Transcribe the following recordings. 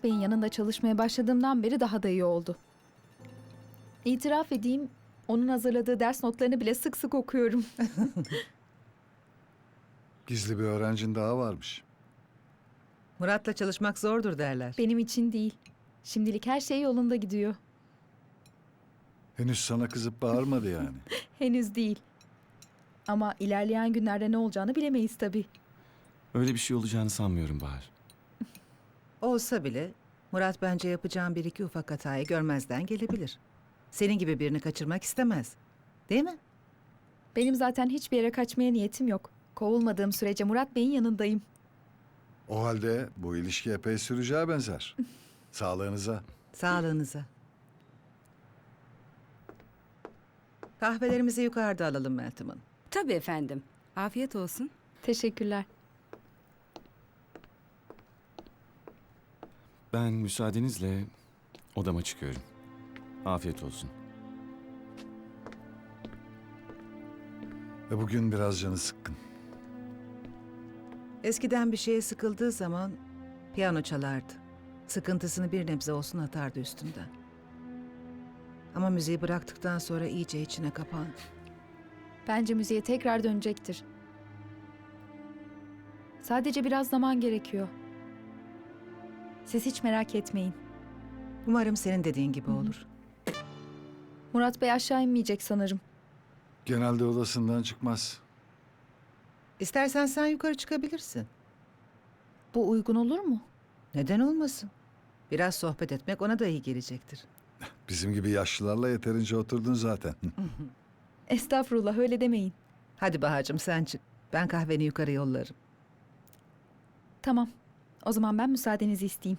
Murat Bey'in yanında çalışmaya başladığımdan beri daha da iyi oldu. İtiraf edeyim, onun hazırladığı ders notlarını bile sık sık okuyorum. Gizli bir öğrencin daha varmış. Murat'la çalışmak zordur derler. Benim için değil. Şimdilik her şey yolunda gidiyor. Henüz sana kızıp bağırmadı yani. Henüz değil. Ama ilerleyen günlerde ne olacağını bilemeyiz tabii. Öyle bir şey olacağını sanmıyorum Bahar. Olsa bile Murat bence yapacağın bir iki ufak hatayı görmezden gelebilir. Senin gibi birini kaçırmak istemez. Değil mi? Benim zaten hiçbir yere kaçmaya niyetim yok. Kovulmadığım sürece Murat Bey'in yanındayım. O halde bu ilişki epey süreceğe benzer. Sağlığınıza. Sağlığınıza. Kahvelerimizi yukarıda alalım Meltem Hanım. Tabii efendim. Afiyet olsun. Teşekkürler. Ben müsaadenizle odama çıkıyorum. Afiyet olsun. Ve bugün biraz canı sıkkın. Eskiden bir şeye sıkıldığı zaman piyano çalardı. Sıkıntısını bir nebze olsun atardı üstünden. Ama müziği bıraktıktan sonra iyice içine kapandı. Bence müziğe tekrar dönecektir. Sadece biraz zaman gerekiyor. Siz hiç merak etmeyin. Umarım senin dediğin gibi olur. Murat Bey aşağı inmeyecek sanırım. Genelde odasından çıkmaz. İstersen sen yukarı çıkabilirsin. Bu uygun olur mu? Neden olmasın? Biraz sohbet etmek ona da iyi gelecektir. Bizim gibi yaşlılarla yeterince oturdun zaten. Estağfurullah, öyle demeyin. Hadi Bahacığım sen çık. Ben kahveni yukarı yollarım. Tamam. O zaman ben müsaadenizi isteyeyim.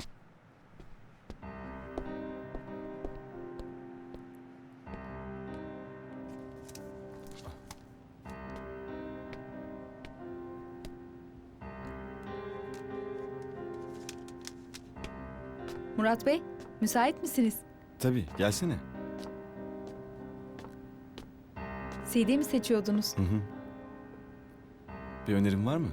Murat Bey, müsait misiniz? Tabii, gelsene. CD mi seçiyordunuz? Hı hı. Bir önerin var mı?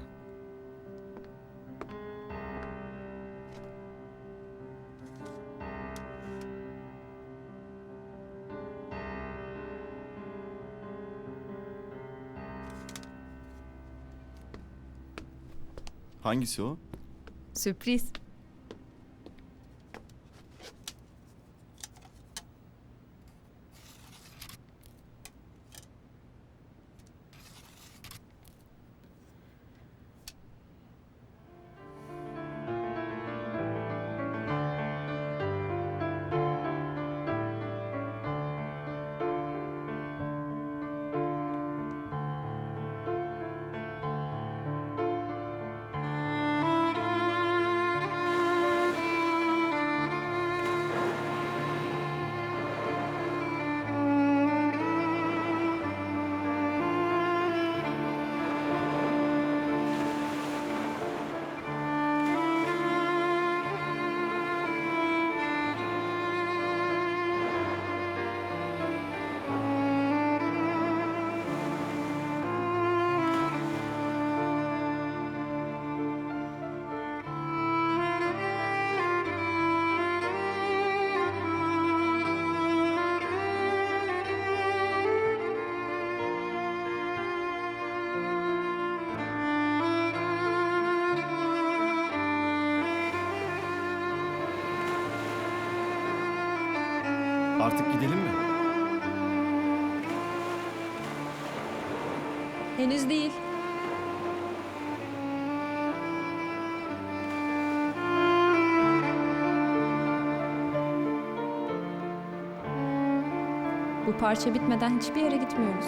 Hangisi o? Sürpriz. Artık gidelim mi? Henüz değil. Bu parça bitmeden hiçbir yere gitmiyoruz.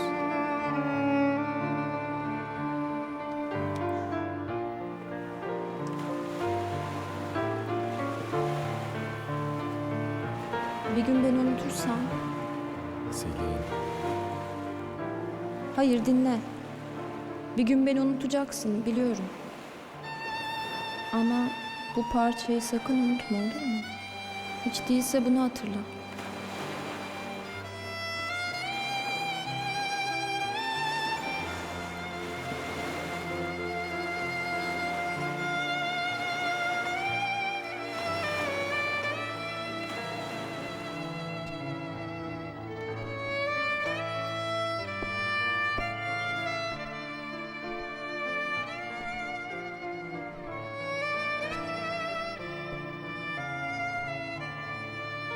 Bir gün beni unutursan... Selin. Hayır, dinle. Bir gün beni unutacaksın, biliyorum. Ama bu parçayı sakın unutma, olur mu? Hiç değilse bunu hatırla.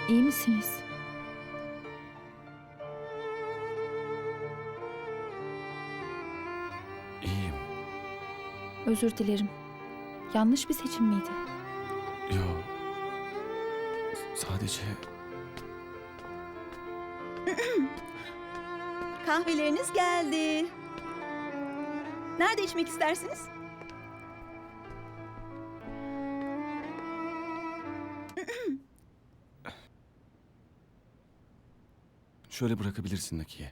İyi misiniz? İyiyim. Özür dilerim. Yanlış bir seçim miydi? Yo. Sadece Kahveleriniz geldi. Nerede içmek istersiniz? şöyle bırakabilirsin Nakiye.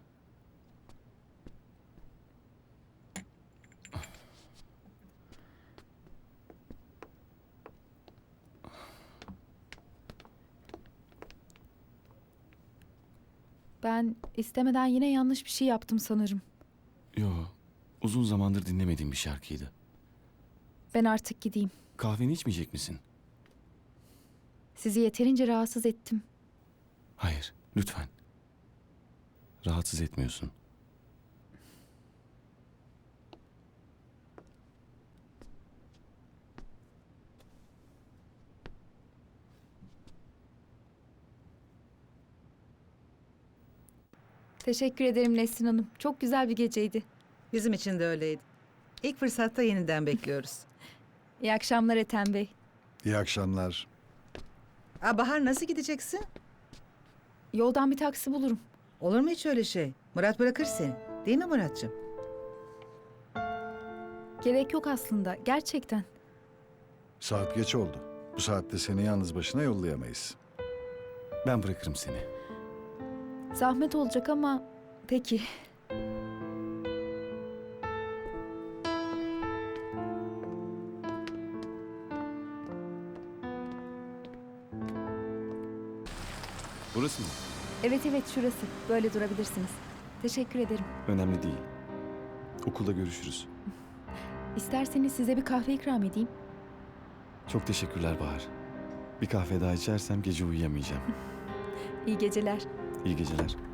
Ben istemeden yine yanlış bir şey yaptım sanırım. Yo. Uzun zamandır dinlemediğim bir şarkıydı. Ben artık gideyim. Kahveni içmeyecek misin? Sizi yeterince rahatsız ettim. Hayır, lütfen. Rahatsız etmiyorsun. Teşekkür ederim Nesrin Hanım. Çok güzel bir geceydi. Bizim için de öyleydi. İlk fırsatta yeniden bekliyoruz. İyi akşamlar Ethem Bey. İyi akşamlar. Bahar nasıl gideceksin? Yoldan bir taksi bulurum. Olur mu hiç öyle şey? Murat bırakır seni. Değil mi Muratcığım? Gerek yok aslında. Gerçekten. Saat geç oldu. Bu saatte seni yalnız başına yollayamayız. Ben bırakırım seni. Zahmet olacak ama peki. Burası mı? Evet evet şurası. Böyle durabilirsiniz. Teşekkür ederim. Önemli değil. Okulda görüşürüz. İsterseniz size bir kahve ikram edeyim. Çok teşekkürler Bahar. Bir kahve daha içersem gece uyuyamayacağım. İyi geceler. İyi geceler.